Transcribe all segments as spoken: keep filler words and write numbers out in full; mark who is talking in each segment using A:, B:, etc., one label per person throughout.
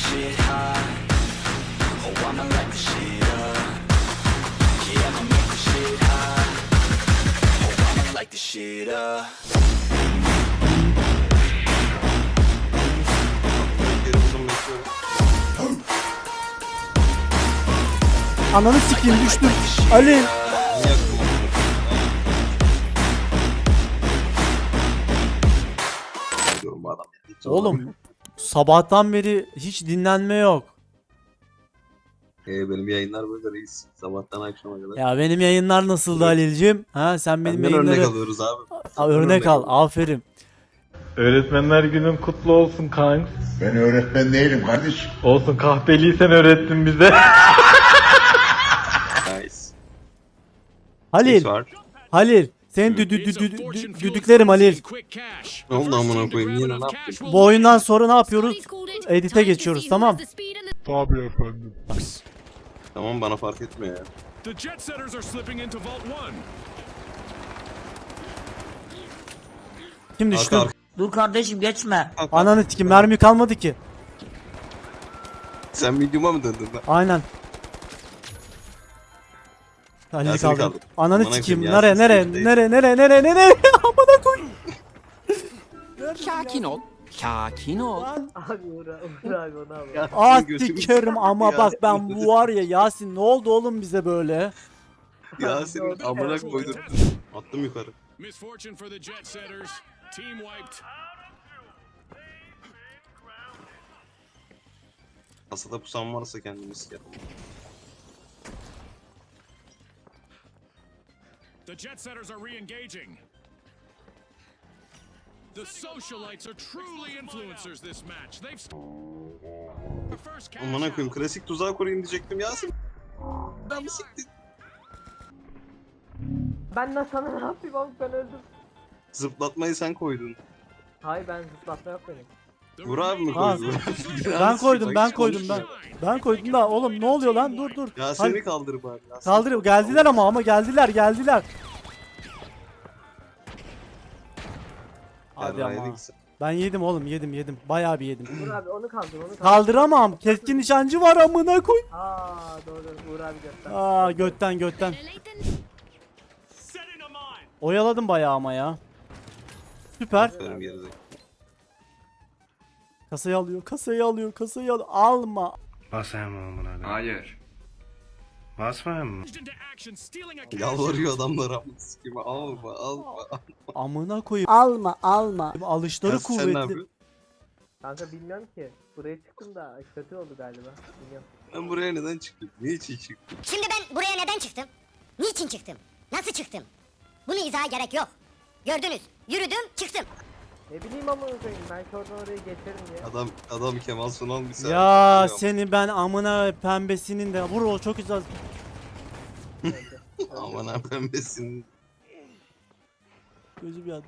A: shit hot. Oh, I'ma light the shit up. Yeah, I'ma make the shit hot. Oh, I'ma light the shit up.
B: Ananı sikeyim, düştüm. Ali. Oğlum sabahtan beri hiç dinlenme yok.
C: Ee, benim yayınlar böyle reis. Sabahtan akşama kadar.
B: Ya benim yayınlar nasıldı Halil'cim? Ha sen benim
C: Senden örnek
B: yayınları
C: alıyoruz abi.
B: A,
C: Senden
B: örnek al.
C: al.
B: Aferin.
D: Öğretmenler günün kutlu olsun kanks.
E: Ben öğretmen değilim kardeşim.
D: Olsun, kahpeliysen öğrettin bize.
C: Nice.
B: Halil.
C: Ses var.
B: Halil. Seni dü, dü, dü, dü, dü- düdüklerim Halil.
C: Ne oldu amına koyayım, yine ne yaptın?
B: Bu oyundan sonra ne yapıyoruz? Edit'e geçiyoruz, tamam.
E: Tabii efendim.
C: Tamam, bana fark etmiyor ya.
F: The jet setters are slipping into vault one.
B: Kim
C: Arka
B: düştü?
C: arka.
G: Dur kardeşim geçme.
B: Ananı sikim, mermi kalmadı ki.
C: Sen medium'a mı döndün lan?
B: Aynen. Halil'i
C: Yasin'i
B: kaldım.
C: kaldır.
B: Ananı
C: Amına
B: sikeyim.
C: koyayım,
B: Nereye
C: Yasin
B: nereye
C: stage'deyiz.
B: nereye nereye nereye nereye? Amına koy.
H: Sakin ol. Sakin ol.
B: Lan.
G: Abi Uğur, Uğur abi onu al.
C: Yasin
B: Ah
C: götümü
B: sikerim ama
C: Yasin
B: bak ben bu var ya Yasin, ne oldu oğlum bize böyle?
C: Yasin'in amına koydum. Attım yukarı.
F: Misfortune for the jet setters. Team wiped.
C: Kasada pusan varsa kendini sikerim.
F: The jet setters are re-engaging. The socialites are truly influencers this match. They've the first cash
C: Amına koyayım,
F: out.
C: klasik tuzağa koruyayım diyecektim Yasin. Ben mi siktin?
G: Ben de sana ne yapayım abi, ben öldüm.
C: Zıplatmayı sen koydun.
G: Hayır ben zıplatma yok benim.
F: The
C: Vur abi mi
B: Ha,
C: koydu?
B: Ben koydum ben koydum ben. Ben koydum da oğlum ne oluyor lan, dur dur.
C: Yasin'i
B: Hayır,
C: kaldır bari. Yasin.
B: kaldır, geldiler ama ama geldiler geldiler. Hadi
C: Yarrağı
B: ama.
C: yedik sen.
B: Ben yedim oğlum, yedim yedim. Bayağı bir yedim.
G: Uğur abi onu kaldır onu kaldır.
B: Kaldıramam. Keskin nişancı var amına koy.
G: Aa doğru Uğur abi göster.
B: Aa götten götten.
F: Setting a mine.
B: Oyaladım bayağı ama ya. Süper.
C: Aferin gerizekalı.
B: Kasayı alıyor, kasayı alıyor, kasayı alıyor. Alma.
I: Basayım mı amına koyayım?
E: Hayır.
I: Basmayayım mı?
F: Into action, stealing a cash
C: Yalvarıyor adamlar amına sikeyim. Alma alma.
B: Amına koyayım.
G: Alma alma.
B: Alışları
C: Yasin, sen ne
B: kuvvetli.
C: yapıyorsun?
G: Kanka bilmiyorum ki. Buraya çıktım da kötü oldu galiba. Bilmiyorum.
C: Ben buraya neden çıktım? Niçin çıktım?
J: Şimdi ben buraya neden çıktım? Niçin çıktım? Nasıl çıktım? Bunu izaha gerek yok. Gördünüz. Yürüdüm, çıktım.
G: Ne bileyim ama koyayım, ben oradan oraya geçerim diye.
C: Adam adam Kemal Sunal bir saat.
B: Ya
C: Biliyorum.
B: seni ben amına pembesinin de vur, o çok güzel.
C: Aman ha pembesin.
B: Gözü bir yandı.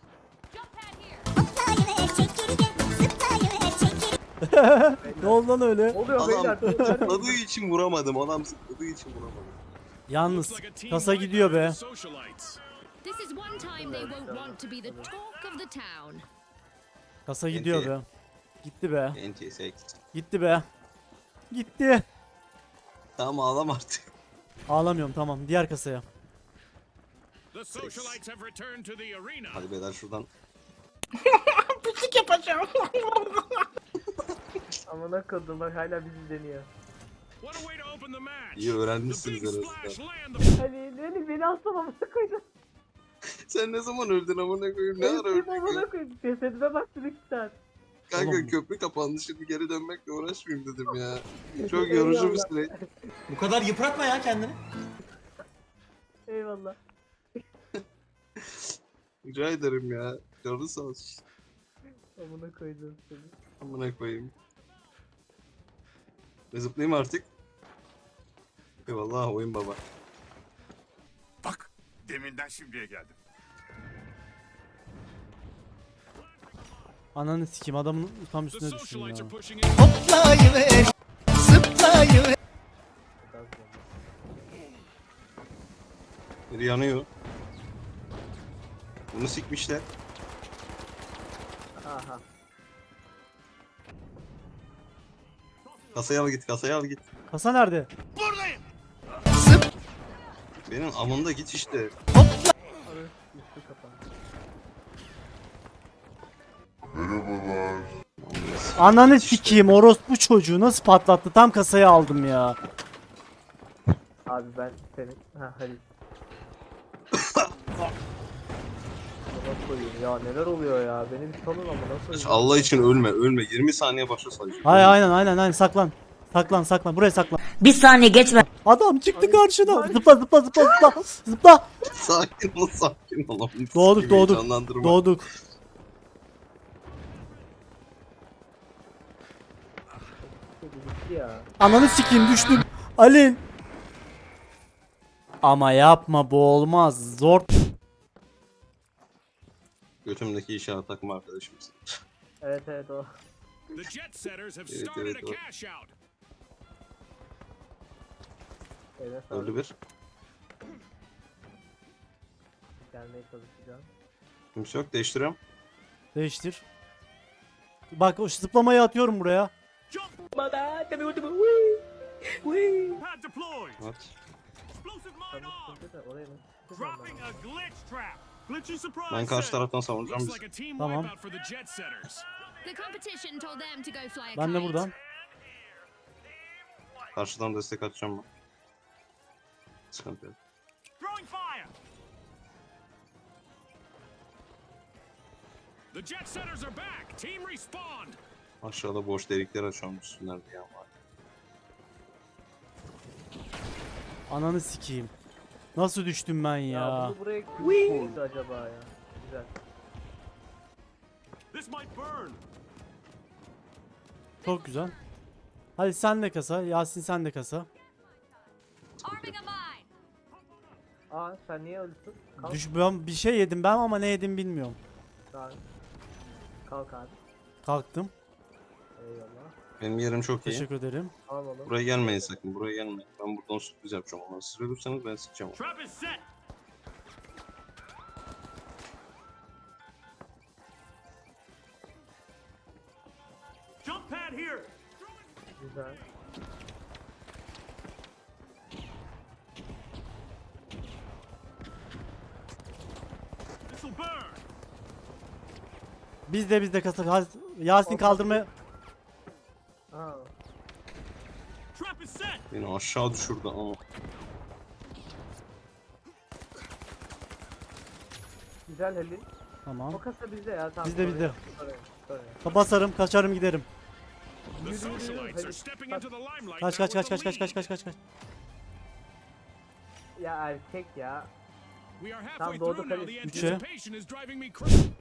B: Ne oldu lan öyle?
G: Oluyor
C: Adam
G: beyler.
C: zıpladığı için vuramadım. Adam zıpladığı için vuramadım.
B: Yalnız
F: Looks like a team
B: kasa
F: wipe
B: gidiyor
F: for
B: be.
F: the socialites.
K: This is one time they won't want to be the talk of the town.
B: Kasa gidiyor be. Gitti be.
C: Enti seks.
B: Gitti be. Gitti.
C: Tamam ağlam artık.
B: Ağlamıyorum, tamam. Diğer kasaya.
F: The socialites have returned to the arena.
C: Hadi beyler şuradan.
G: Amına koydum bak hala bizi deniyor.
F: What a way to open the match.
C: İyi öğrenmişsiniz
F: The big
C: arasında.
F: splash land the
G: Hani beni beni asla amına koydum.
C: Sen ne zaman öldün amına koyayım? Ne ara
G: Benim
C: öldün?
G: amına koydum. Cesedime baktım iki saat.
C: Kanka
B: Oğlum.
C: köprü kapandı, şimdi geri dönmekle uğraşmayayım dedim ya. Çok yorucu bir süreç.
H: Bu kadar yıpratma ya kendini.
G: Eyvallah.
C: Rica ederim ya. Canı sağ olsun.
G: Amına koydum seni.
C: Amına koyayım. Ve zıplayayım artık. Eyvallah oyun baba.
E: Bak deminden şimdiye geldim.
B: Ananı sikeyim, adamın tam
F: The
B: üstüne düştüm ya.
F: socialites are pushing in.
C: Biri yanıyor. Bunu sikmişler.
G: Aha.
C: Kasaya al git, kasaya al git.
B: Kasa nerede?
C: Benim amında git işte.
G: Üstü kapandı.
B: Ananı sikeyim, orospu çocuğu nasıl patlattı, tam kasaya aldım ya.
G: Abi ben senin... Ha Halil. Bana koyayım ya, neler oluyor ya, beni bir salın ama nasıl?
C: Allah için ölme, ölme. yirmi saniye başa sayacağım.
B: Hayır, aynen aynen aynen, saklan. Saklan saklan, buraya saklan.
J: Bir saniye geçme.
B: Adam çıktı karşına. Zıpla zıpla zıpla zıpla. Zıpla.
C: Sakin ol, sakin ol.
B: Doğduk
C: Sikimi
B: doğduk.
C: canlandırma.
B: Doğduk.
G: Gitti ya.
B: Ananı sikeyim, düştüm. Ali. Ama yapma, bu olmaz. Zor.
C: Götümdeki işaret takma arkadaşımız.
G: Evet evet o.
F: The jet setters have
C: Evet,
F: started
C: evet,
F: a
C: o.
F: cash out.
G: Eline sağlık.
C: Öldü bir.
G: Gelmeye çalışacağım.
C: Kimse yok, değiştiriyorum.
B: Değiştir. Bak, o zıplamayı atıyorum buraya.
F: Pad deployed.
C: Evet.
F: Explosive mine
G: Tabii
F: on.
G: sıkıntı da oraya nasıl
F: Dropping a glitch trap. Glitchy surprise.
C: Ben karşı
F: set.
C: taraftan savunacağım
F: Looks
C: bizi.
F: like a team
B: Tamam.
F: wipeout for the jet setters.
K: The competition told them to go fly a
B: Ben de
K: kite.
B: buradan.
C: Karşıdan destek atacağım ben. Sıkıntı yok.
F: Throwing fire. The jet setters are back. Team respawned.
C: Aşağıda boş delikler açıyorum, üstünler bir yan var.
B: Ananı sikeyim. Nasıl düştüm ben
G: Ya,
B: ya?
G: bunu buraya kim koydu acaba ya? Güzel.
F: This might burn.
B: Çok güzel. Hadi sen de kasa. Yasin sen de kasa.
K: Arming a mine.
G: Aa sen niye öldün? Kalk.
B: Düş, ben bir şey yedim ben ama ne yedim bilmiyorum.
G: Kalk. Kalk abi.
B: Kalktım.
G: Eyvallah.
C: Benim yerim çok iyi.
B: Teşekkür ederim.
G: Al oğlum.
C: Buraya gelmeyin sakın, buraya gelmeyin. Ben buradan sürpriz yapacağım onları. Siz ölürseniz ben sıkacağım.
F: Trap is set. Jump pad here.
G: Güzel.
F: This'll burn.
B: Biz de biz de kasa. Hadi, Yasin kaldırmaya.
G: Aa.
F: Trap is set.
C: Beni aşağı düşürdü ama.
G: Güzel Halil.
B: Tamam.
G: O kasa bizde ya. Tamam,
B: Bizde,
G: oraya-
B: bizde.
G: oraya, oraya.
B: Basarım, kaçarım, giderim.
F: The
G: Yürü, yürü, yürü.
F: socialites are
G: Hadi.
F: stepping into the limelight.
B: Kaç
F: now
B: kaç
F: with
B: kaç
F: the
B: kaç kaç
F: lead.
B: kaç kaç kaç kaç.
G: Ya erkek ya.
F: We are
G: Tam
F: halfway
G: doğdu
F: through now.
G: kaleci.
F: The
B: Üçe.
F: anticipation is driving me crazy.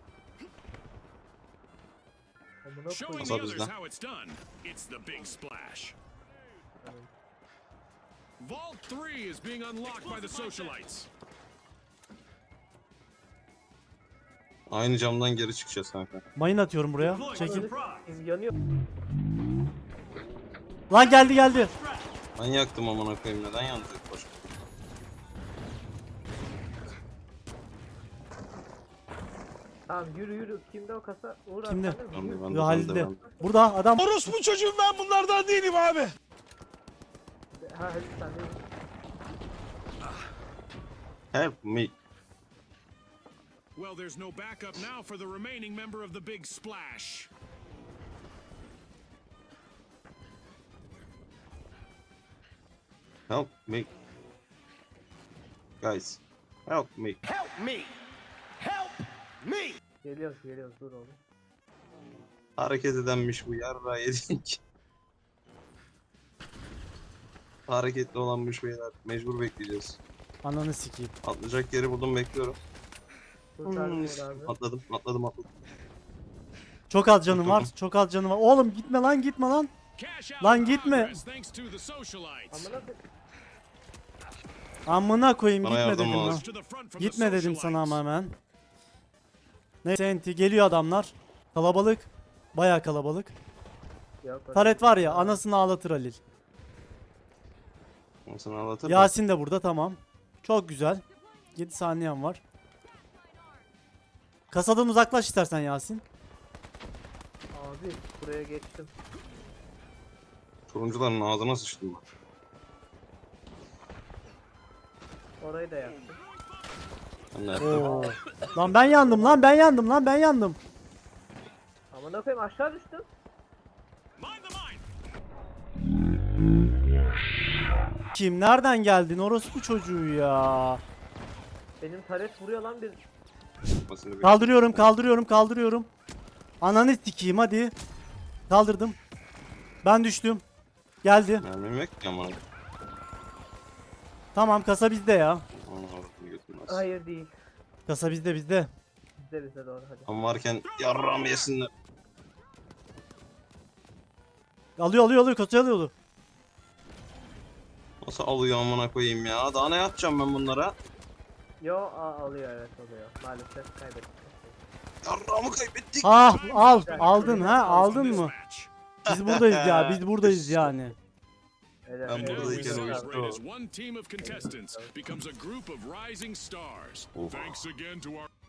G: Amına
F: Showing
G: koyayım.
F: the
C: Kasa
F: others
C: bizde.
F: how it's done. It's the big splash. Vault three is being unlocked by the socialites.
C: Aynı camdan geri çıkacağız kanka.
B: Mayın atıyorum buraya. Çekil.
G: Biz yanıyor.
B: Lan geldi geldi.
C: Ben yaktım amına koyayım, neden yandı ilk başta?
G: Tamam yürü yürü. Kimde o kasa? Uğur abi,
B: Kimde?
G: sen de mi?
C: Ben de,
G: Yürü.
C: ben de,
B: Yo,
C: ben de,
B: Halil'de.
C: ben de.
B: Burada adam.
E: Orospu çocuğum ben bunlardan değilim abi.
G: Ha Halil sen de. yürü.
C: Help me.
F: Well, there's no backup now for the remaining member of the big splash.
C: Help me. Guys. Help me.
G: Geliyoruz geliyoruz dur oğlum.
C: Hareket edenmiş bu, yarra yedik. Hareketli olanmış beyler. Mecbur bekleyeceğiz.
B: Ananı sikeyim.
C: Atlayacak yeri buldum, bekliyorum.
G: Kurtardım
C: Hmm,
G: Uğur abi.
C: Atladım, atladım, atladım.
B: Çok az canım var. Çok az canım var. Oğlum gitme lan, gitme lan.
F: Cash out
B: Lan
F: in
B: gitme.
F: progress thanks to the socialites.
G: Amına koyayım.
B: Amına koyayım,
C: Bana
B: gitme
C: yardım
B: dedim
C: lazım.
B: lan.
F: To the front from the
B: Gitme dedim sana
F: socialites.
B: ama hemen. Neyse enti geliyor adamlar. Kalabalık. Bayağı kalabalık.
G: Yok, öyle
B: Taret
G: değil.
B: var ya, anasını ağlatır Halil.
C: Onu sana anlatırım.
B: Yasin de burada, tamam. Çok güzel. yedi saniyem var. Kasadan uzaklaş istersen Yasin.
G: Abi buraya geçtim.
C: Turuncuların ağzına sıçtım.
G: Orayı da yaptım.
C: Ben de yaptım.
B: Oo. Lan ben yandım lan ben yandım lan ben yandım.
G: Amına koyayım aşağı düştüm.
F: Mind the mine.
B: Kim nereden geldin orospu çocuğu ya.
G: Benim taret vuruyor lan bir.
C: Basını bir-
B: Kaldırıyorum kaldırıyorum kaldırıyorum. Ananı sikeyim hadi. Kaldırdım. Ben düştüm. Geldi.
C: Mermim yok ki ama.
B: Tamam kasa bizde ya.
C: Onu avradını götürmez.
G: Hayır değil.
B: Kasa bizde bizde.
G: Bizde bizde doğru hadi.
C: Ama varken yarram yesinler.
B: Alıyor alıyor alıyor kasayı alıyordu.
C: Nasıl alıyor amına koyayım ya? Daha ne yapacağım ben bunlara?
G: Yo a, alıyor evet alıyor. Maalesef kaybettik.
C: Yarramı kaybettik.
B: Ah al aldın ha
F: In
B: aldın
F: this
B: mı?
F: match.
B: Biz buradayız ya biz buradayız yani.
G: Evet,
C: Ben
G: evet,
F: Now we
C: buradayken
G: evet.
C: oyun-
F: celebrate as one team of contestants becomes a group of rising stars.
C: Oha.
F: Thanks again to our